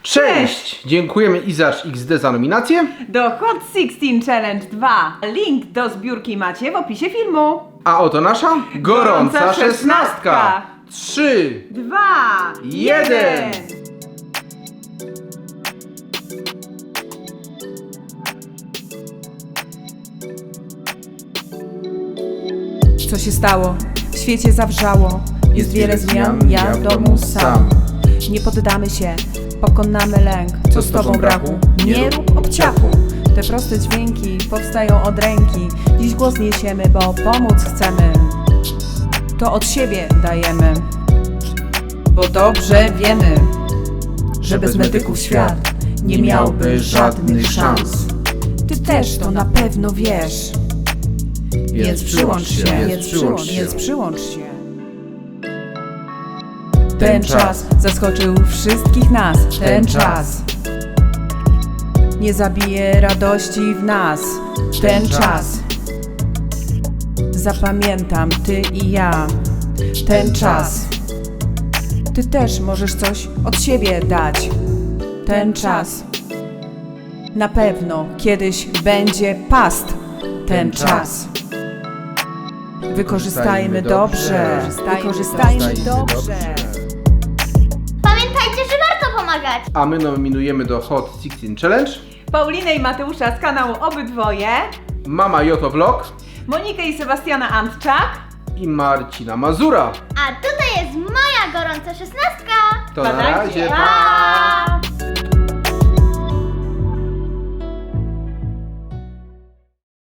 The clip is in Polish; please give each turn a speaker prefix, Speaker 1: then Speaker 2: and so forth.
Speaker 1: Cześć! Dziękujemy Izacz XD za nominację.
Speaker 2: Do Hot 16 Challenge 2. Link do zbiórki macie w opisie filmu.
Speaker 1: A oto nasza gorąca szesnastka. 3,
Speaker 2: 2,
Speaker 1: 1.
Speaker 2: Co się stało? W świecie zawrzało. Jest wiele zmian, ja w domu sam. Nie poddamy się, pokonamy lęk. Co z tobą braku? Nie rób obciachu. Te proste dźwięki powstają od ręki. Dziś głos niesiemy, bo pomóc chcemy. To od siebie dajemy, bo dobrze wiemy, że bez medyków świat nie miałby żadnych szans. Ty też to na pewno wiesz, więc przyłącz się. Ten czas zaskoczył wszystkich nas. Ten czas nie zabije radości w nas. Ten czas zapamiętam ty i ja. Ten czas ty też możesz coś od siebie dać. Ten czas na pewno kiedyś będzie past. Ten czas wykorzystajmy dobrze.
Speaker 3: Pamiętajcie, że warto pomagać!
Speaker 1: A my nominujemy do Hot 16 Challenge
Speaker 2: Paulinę i Mateusza z kanału Obydwoje,
Speaker 1: Mama Joto Vlog
Speaker 2: Monikę i Sebastiana Antczak.
Speaker 1: i Marcina Mazura.
Speaker 3: A tutaj jest moja gorąca szesnastka!
Speaker 1: To na razie,
Speaker 2: Pa!